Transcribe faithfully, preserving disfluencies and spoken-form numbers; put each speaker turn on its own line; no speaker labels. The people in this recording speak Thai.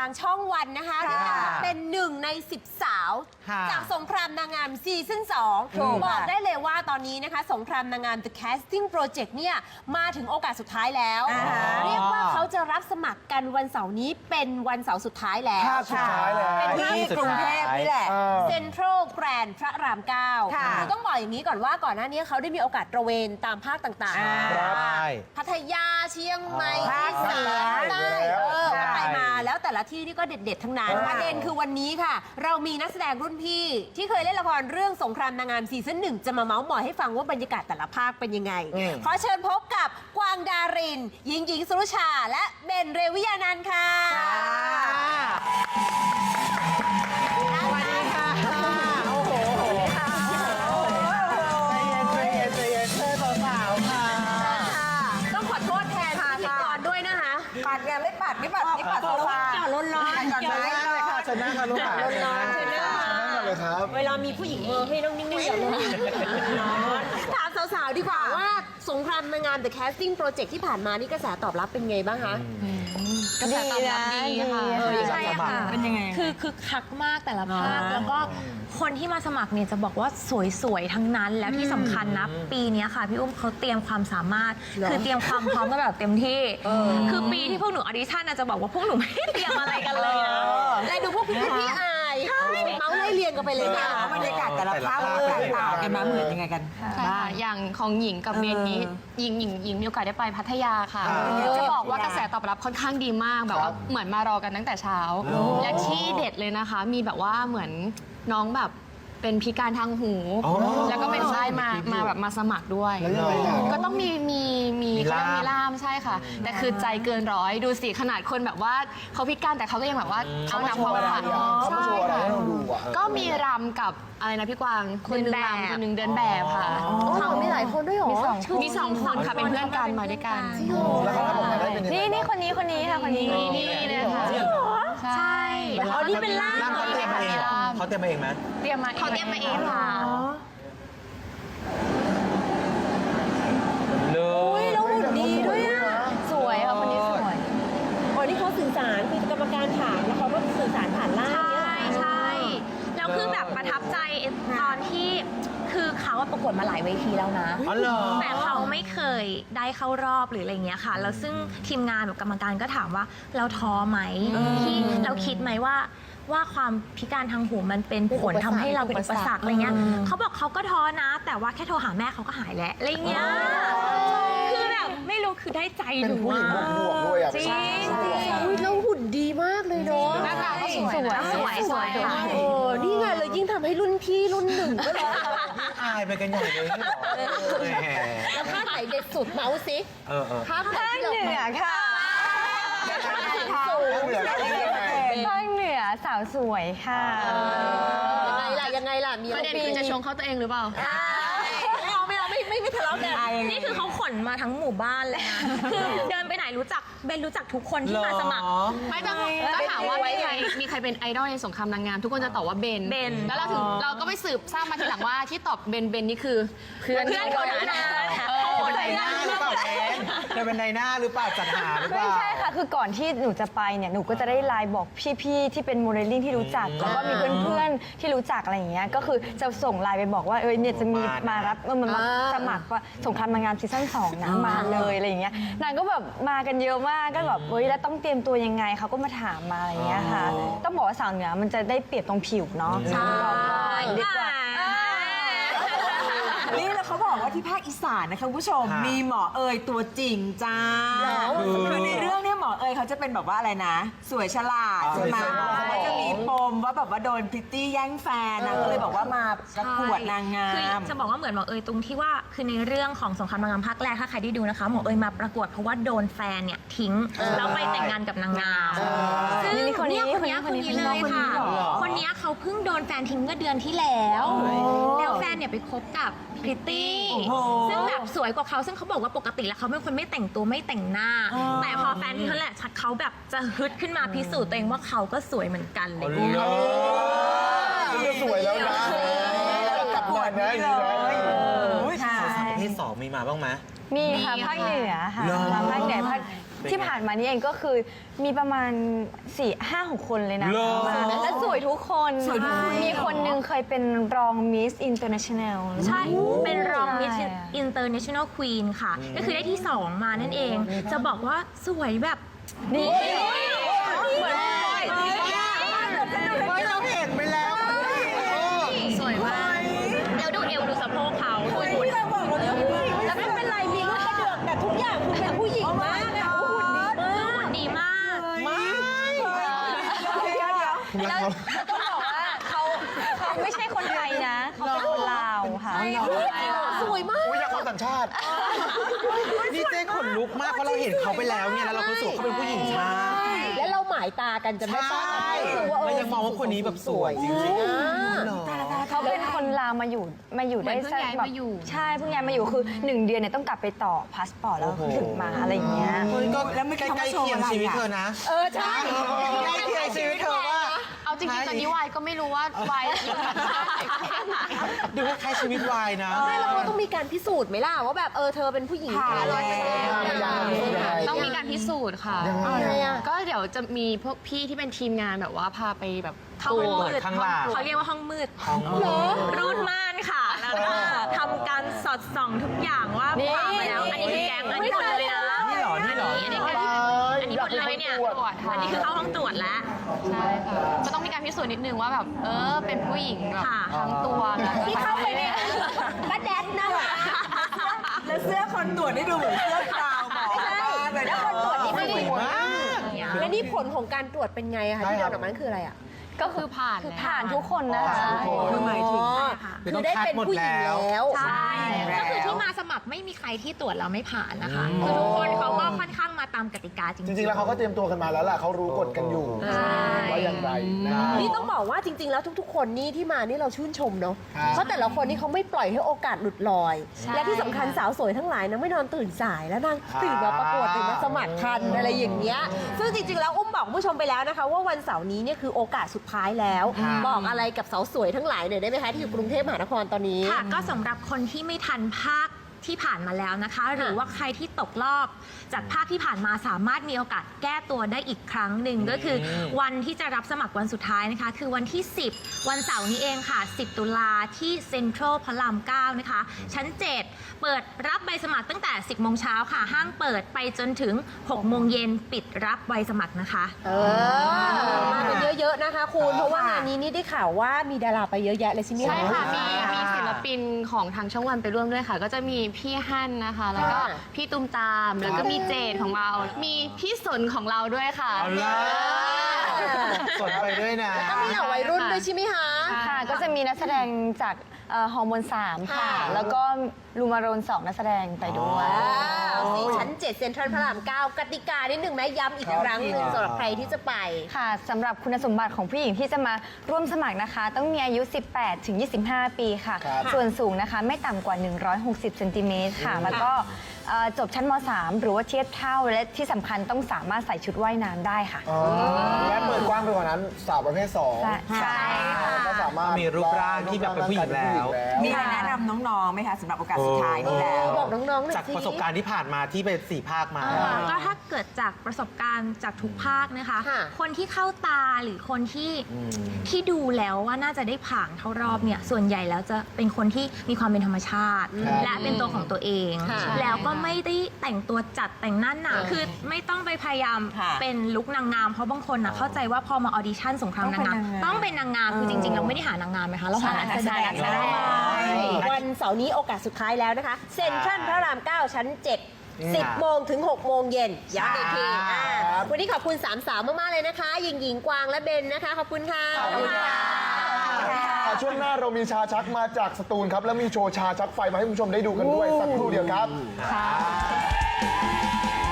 างช่องวันนะคะเป็นหนึ่งในสิบสาวจากสงครามนางงามซีซั่นสองบอกได้เลยว่าตอนนี้นะคะสงครามนางงาม The Casting Project เนี่ยมาถึงโอกาสสุดท้ายแล้วเรียกว่าเขาจะรับสมัครกันวันเสาร์นี้เป็นวันเสาร์สุดท้ายแล้ว
ภาคสุดท้ายแล้ว
เป็นที่กรุงเทพนี่แหละ
เออ
เซ็นทรัลแกรนด์พระรามเก้าคือต้องบอกอย่างนี้ก่อนว่าก่อนหน้านี้เขาได้มีโอกาสตระเวนตามภาคต่างๆพัทยาเชียงใหม่อีสานใต้เออก็ไปมาแล้วแต่ละที่นี่ก็เด็ดๆทั้งนั้นประเด็นคือวันนี้ค่ะเรามีนักแสดงรุ่นพี่ที่เคยเล่นละครเรื่องสงครามนางงามซีซั่นหนึ่งจะมาเมาส์มอยให้ฟังว่าบรรยากาศแต่ละภาคเป็นยังไงขอเชิญพบกับกวางดารินหญิงหญิงสุรุชาและเบนเรวิยานันท์ค่ะ
สวัสดีค่ะโอ้โหใจเย็นใจเย็นใจเย็นเธอสาวๆค่ะ
ต้องขอโทษแทนพิธีกรด้วยนะคะปัดไงไม่ปัดไม่ปัดไม่ปัดโซฟาร้อนร้อน
ก่อนไหมเลยค่ะเชิญนั่งค่ะลูกค่ะ
ร้อนร้อนเชิญนั่ง
ก่อนเลยครับ
เวลามีผู้หญิงเออให้ต้องนิ่งๆอย่าร้อนถามสาวๆดีกว่าว่าสงครามนางงาม The Casting Project ที่ผ่านมานี่กระแสตอบรับเป็นไงบ้างคะ
กระแสตอบรับดีค่ะใช่ค่ะเป็นยังไงคือคือคักมากแต่ละภาคแล้วก็คนที่มาสมัครเนี่ยจะบอกว่าสวยๆทั้งนั้นแล้วที่สำคัญนะปีนี้ค่ะพี่อุ้มเขาเตรียมความสามารถคือเตรียมความพร้อมกันแบบเต็มที่คือปีที่พวกหนูออดิชั่นจะบอกว่าพวกหนูไม่ได้เตรียมอะไรกันเลยนะ
แต่ดูพวกพี่พี่อายเมาส์ไล่เรียงกันไปเลยค่ะ
บรรยากาศแต่ละภาคแตกต่างกันมาเหมือนยังไงกัน
บ้างอย่างของหญิงกับเบนนี้หญิงหญิงหญิงมีโอกาสได้ไปพัทยาค่ะจะบอกว่ากระแสตอบรับค่อนข้างดีมากแบบว่าเหมือนมารอกันตั้งแต่เช้าและที่เด็ดเลยนะคะมีแบบว่าเหมือนน้องแบบเป็นพิการทางหูแล้วก็เป็นไส้มามาแบบมาสมัครด้วยก็ต้องมีมีมีเขาเรียกมีล่ามใช่ค่ะแต่คือใจเกินร้อยดูสิขนาดคนแบบว่าเขาพิการแต่เขาก็ยังแบบว่าเอานำความฝัน
เขามาโชว์อะไรให้เราดูอ่ะ
ก็มีรำกับอะไรนะพี่กวางคนหนึ่งรำคนหนึ่งเดินแบบค่ะ
เขามีหลายคนด้วยหรอ
มีสองคนค่ะเป็นเพื่อนกันมาด้วยกัน
แล้วเขาทำออกมาได้เป็นยังไง
นี่นี่คนนี้คนนี้ค่ะคนนี้นี่เลยค่ะใช่
อ๋อนี่เป็นล่าม
เขาเตรียมมาเองเขาเตรียมมาเองไหม
เตรียมมาเขาเตรียมมาเองค่ะ
เลยแล้วหุ่นดีด้วยอ่ะ
สวยค่ะคนนี้สวย
อ๋อนี่เขาสื่อสารคือกรรมการถามแล้วเขาก็สื่อสารผ่านล่าม
ใช่ใช่แล้วคือแบบประทับใจตอนที่คือเขาประกวดมาหลายเวทีแล้วนะแต่เขาไม่เคยได้เข้ารอบหรืออะไรเงี้ยค่ะแล้วซึ่งทีมงานแบบกรรมการก็ถามว่าเราท้อไหมที่เราคิดไหมว่าว่าความพิการทางหูมันเป็นผลทำให้เราเป็นอุปสรรคอะไรเงี้ยเขาบอกเขาก็ท้อนะแต่ว่าแค่โทรหาแม่เขาก็หายแล้วอะไรเงี้ยคือแบบไม่รู้คือได้ใจหนู
เป็นผู้หญิงบวกๆด้วยอ่ะ
จริง
แล้วหุ่นดีมากเลยเนาะ
หน้าตาก็สวยสวยสวย
โอ้นี่ไงเลยยิ่งทำให้รุ่นพี่รุ่นหนึ่งก็เลย
อายไปกันใหญ่เลย
แล้วภาคไหนเด็ดสุดเมาส์สิ
เออเออ
ภาคเหนือ
ค่ะภาคเหนือสาวสวยค่ะ
ยังไงล่ะยังไงล่ะมี
ประเด็นคือจะชงเขาตัวเองหรือเปล่า
ไม่เอาไม่เอาไม่ไม่ไม่ทะเลาะกัน
นี่คือเขาขนมาทั้งหมู่บ้านเลยนะคือเดินไปไหนรู้จักเบนรู้จักทุกคนที่มาสมัครไม่ต้องก็ถามว่ามีใครมีใครเป็นไอดอลในสงครามนางงามทุกคนจะตอบว่าเบนเบนแล้วเราถึงเราก็ไปสืบทราบมาทีหลังว่าที่ตอบเบนเบนนี่คือเพื่อนเพื่อนคนนั้น
เป็นในหน้าหรือเปล่าเบนเธอเป็นในหน้าหรือเปล่าจัดหาหรือเปล่า
ไม่ใช่ค่ะคือก่อนที่หนูจะไปเนี่ยหนูก็จะได้ไลน์บอกพี่ๆที่เป็นโมเดลลิ่งที่รู้จักแล้วก็มีเพื่อนๆที่รู้จักอะไรอย่างเงี้ยก็คือจะส่งไลน์ไปบอกว่าเออเนี่ยจะมีมารับเออมันมาสมัครว่าสงครามนางงามซีซั่นสองนะมาเลยอะไรอย่างเงี้ยนางก็แบบมากันเยอะมากก็แบบเฮ้ยแล้วต้องเตรียมตัวยังไงเขาก็มาถามมาอะไรอย่างเงี้ยค่ะต้องบอกว่าสาวเหนือมันจะได้เปรียบตรงผิวเนาะใช่ดีกว่า
นี่แล้วเขาบอกว่าที่ภาคอีสานนะคะคุณผู้ชมมีหมอเอยตัวจริงจ้าคือในเรื่องนี้หมอเอยเขาจะเป็นแบบว่าอะไรนะ สวยฉลาดใช่ไหมแล้วจะมีปมว่าแบบว่าโดนพริตตี้แย่งแฟนนะก็เลยบอกว่ามาประกวดนางงาม
คือจะบอกว่าเหมือนหมอเอยตรงที่ว่าคือในเรื่องของสงครามนางงามภาคแรกถ้าใครได้ดูนะคะหมอเอยมาประกวดเพราะว่าโดนแฟนเนี่ยทิ้งแล้วไปแต่งงานกับนางงามซึ่งคนนี้คนนี้คนนี้เลยค่ะคนนี้เขาเพิ่งโดนแฟนทิ้งเมื่อเดือนที่แล้วแล้วแฟนเนี่ยไปคบกับพริตตี้ซึ่งแบบสวยกว่าเขาซึ่งเขาบอกว่าปกติแล้วเขาเป็นคนไม่แต่งตัวไม่แต่งหน้าแต่พอแฟนที่เขาแหละเขาแบบจะฮึดขึ้นมาพิสูจน์ตัวเองว่าเขาก็สวยเหมือนกันเลย
จะสวยแล้วนะกลับบ้านนะ
เลย
สองมีมาบ้างไหม
มีค่ะภาคเหนือค่ะ
เหรอ
มาภาคเหนือภาค
เป็นไง
ที่ผ่านมานี่เองก็คือมีประมาณสี่ห้าหกคนเลยนะ
เหรอ
มาและสวยทุกคน
สวยทุกคน
มีคนหนึ่งเคยเป็นรองมิสอินเตอร์เนชั่นแนล
ใช่ เป็นรอง Miss
ใช่
International Queen ค่ะ ก็คือได้ที่สองมานั่นเอง จะบอกว่าสวยแบบ
นี่
เหมือน
ไม่เราเห็นไปแล้ว
สวยมากเดี๋ยวดูเอวดูสะโพกเขาดูหุ่น
แล้วไม่เป็นไรมีลูกกระเดือกแต่ทุกอย่างคุณเป็นผู้หญิงมากอะโอ้โหหุ่นดี
หุ่นดีมาก
แล้วต้องบอกว่าเขาเขาไม่ใช่คนไทยนะ เขาเป็นคนลาวค่ะ
สวยมาก
อยากเอาสัญชาติ
นี่เจ๊ขนลุกมากเพราะเราเห็นเขาไปแล้วเนี่ยแล้วเราก็รู้สึกว่าเขาเป็นผู้หญิงมาก
แล้วเราหมายตากันจะไม่ต้องรู้สึกว่าเอ
เรา
อ
ยังมองว่าคนนี้แบบสวยจริงๆ
อ่า
หรอ
เขาเป็นคนลาวมาอยู่มาอยู่ได้
เหมือนเพิ่งย้าย
แบบ
มาอยู่
ใช่เพิ่งย้ายมาอยู่คือหนึ่งเดือนเนี่ยต้องกลับไปต่อพาสปอร์ตแล้วถึงมาอะไรอย่างเงี้ย
ก็
แล้วเมื่อกี้
ใกล้
เขามาโชว์
ๆเคียง
อะไร
ชีวิต
อะ
เธอนะ
เออใช่
ใกล้เคียงชีวิตเธอว่า
เอาจริงๆตอนนี้วายก็ไม่รู้ว่าวาย
ดูคล้ายๆชีวิตวายนะ
ไม่แล้วเราต้องมีการพิสูจน์ไหมล่ะว่าแบบเออเธอเป็นผู้หญิง
ผ่าน
ร้อยเปอร์เซ็นต์
แล้ว
ต้องมีการพิสูจน์ค่ะ
อะไรอะ
ก็เดี๋ยวจะมีพวกพี่ที่เป็นทีมงานแบบว่าพาไปแบบ
เข้าห้องมืด
ข้างหลัง
เขาเรียกว่าห้องมืด
ของ
รูดม่านค่ะ แล้วก็ทำการสอดส่องทุกอย่างว่า
นี่
ผ่านมาแล้ว อันนี้คือแก๊งอันนี้หมดเลยนะ
นี่เหรอนี่เหรอ
อันนี้แก๊งอันนี้หมดเลยเนี่ย อันนี้คือเข้าห้องตรวจแล้ว
ใช่ค่ะก็ต้องมีการพิสูจน์นิดนึงว่าแบบเออเป็นผู้หญิงแบบ
ค่ะ
ทั้งตัวแล้วก็
ที่เข้าไปเนี่ยป้าแดดนะ
แล้วเสื้อคนตรวจได้ดูเหมือนเสื้อกาวหมอมากเลย
แล้
นะ
วคนตรวจนี่ไม่ได้
สวยมาก
และนี่ผลของการตรวจเป็นไงอะคะที่เดินออกมาคืออะไรอะ
ก็คือผ่านผ่านทุกคนนะคะ
คือหมายถึง
คือได้เป็นผู้หญิงแล้ว
ใช่
แล้ว
ก็คือที่มาสมัครไม่มีใครที่ตรวจแล้วไม่ผ่านนะคะคือทุกคนเขาก็ค่อนข้างมาตามกติกาจริง
จ
ๆ
ริงๆ แล้วเขาก็เตรียมตัวกันมาแล้วล่ะเขารู้กฎกันอยู่
ใช่
ว่าอย่างไรนะ
นี่ต้องบอกว่าจริง ๆ แล้วทุก ๆ คนนี่ที่มานี่เราชื่นชมเนาะ
ครับ
เพราะแต่ละคนนี่เขาไม่ปล่อยให้โอกาสหลุดลอย
ใช่
และที่สำคัญสาวสวยทั้งหลายนะไม่นอนตื่นสายแล้วนางตื่นมาประกวดตื่นมาสมัครทันอะไรอย่างเงี้ยซึ่งจริง ๆ แล้วอุ้มบอกคุณผู้ชมไปแล้วนะคะ ว่าวันเสาร์นี้เนี่ยคือโอกาสสุดท้ายแล้ว บอกอะไรกับสาวสวยทั้งหลายหน่อยได้ไหมคะที่อยู่กรุงเทพมหานครตอนนี้
ค่ะก็สำหรับคนที่ไม่ทันภาคที่ผ่านมาแล้วนะคะ หรือว่าใครที่ตกรอบจากภาคที่ผ่านมาสามารถมีโอกาสแก้ตัวได้อีกครั้งหนึ่งก็คือวันที่จะรับสมัครวันสุดท้ายนะคะ คือวันที่ สิบ วันเสาร์นี้เองค่ะ สิบ ตุลาที่เซ็นทรัลพระรามเก้านะคะ ชั้น เจ็ด เปิดรับใบสมัครตั้งแต่ สิบ โมงเช้าค่ะ ห้างเปิดไปจนถึง หก โมงเย็นปิดรับใบสมัครนะคะ
เออมากันเยอะๆนะคะคุณเพราะว่างานนี้นี่ได้ข่าวว่ามีดาราไปเยอะแยะเลยใช่ไหม
ใช่ค่ะ มี
อ่า
มีศิลปินของทางช่องวันไปร่วมด้วยค่ะ ก็จะมีพี่ฮั่นนะคะ แล้วก็
ค่ะ
พี่ตุ้มตาม แล้วก็มีเจดของเรา มีพี่สนของเราด้วยค่ะ
เอาล่ะสนไปด้วยนะ
ก็มีเหล่าวัยรุ่นด้วยใช่ไหมคะ
ค่ะก็จะมีนักแสดงจากเอ่อฮอร์โมนสามค่ะ
ค่ะ
แล้วก็ลูมาโรนสองนักแสดงไปด้วย
ว้าวสี่ชั้นเจ็ดเซ็นทรัลพระรามเก้ากติกานิดหนึ่งไหมย้ำอีกครั้งหนึ่งสำหรับใครที่จะไป
ค่ะสำหรับคุณสมบัติของผู้หญิงที่จะมาร่วมสมัครนะคะ ต้องมีอายุ สิบแปดถึงยี่สิบห้า ปีค่ะ
ครับ
ส่วนสูงนะคะไม่ต่ำกว่า หนึ่งร้อยหกสิบเซนติเมตรค่ะ แล้วก็เอ่อจบชั้นม สาม หรือว่าเทียบเท่าและที่สำคัญต้องสามารถใส่ชุดว่ายน้ำได้ค่ะ
อ๋อและเปิดกว้างไปกว่านั้นสาวประเภทสอง
ใช่ใช่ค่ะ
ก็สามารถ
มีรูปร่างที่แบบเป็นผู้หญิงแล้ว
มีอะไรแนะนำน้องๆไหมคะสำหรับโอกาสสุดท้ายนี้แล้ว
บอกน้องๆหน่อย
จาก
สิ
ประสบการณ์ที่ผ่านมาที่ไปสี่ภาคมา
ก็ถ้าเกิดจากประสบการณ์จากทุกภาคนะคะ
ค่ะ
คนที่เข้าตาหรือคนที่ที่ดูแล้วว่าน่าจะได้ผ่านเข้ารอบเนี่ยส่วนใหญ่แล้วจะเป็นคนที่มีความเป็นธรรมชาติ
ครับ
และเป็นตัวของตัวเอง
ค่ะ
แล้วก็ไม่ได้แต่งตัวจัดแต่งหน้าหนาคือไม่ต้องไปพยายาม
ค่ะ
เป็นลุคนางงามเพราะบางคนนะเข้าใจว่าพอมาออดิชั่นสงครามนางงามต้องเป็นนางงามคือจริง ๆ เราไม่ได้หานางงามไหมคะเราหานักแสดง
ใช่
วันเสาร์นี้โอกาสสุดท้ายแล้วนะคะ เซ็นทรัลพระรามเก้าชั้นเจ็ด สิบ โมงถึง หก โมงเย็นย้ำอีกทีอ่าวันนี้ขอบคุณสามสาวมาก ๆ เลยนะคะ หญิงหญิงกวางและเบนนะคะ ขอบคุณค่ะ
ขอบคุณค่ะ ช่วงหน้าเรามีชาชักมาจากสตูลครับ แล้วมีโชว์ชาชักไฟมาให้คุณผู้ชมได้ดูกันด้วย สักครู่เดียวครับ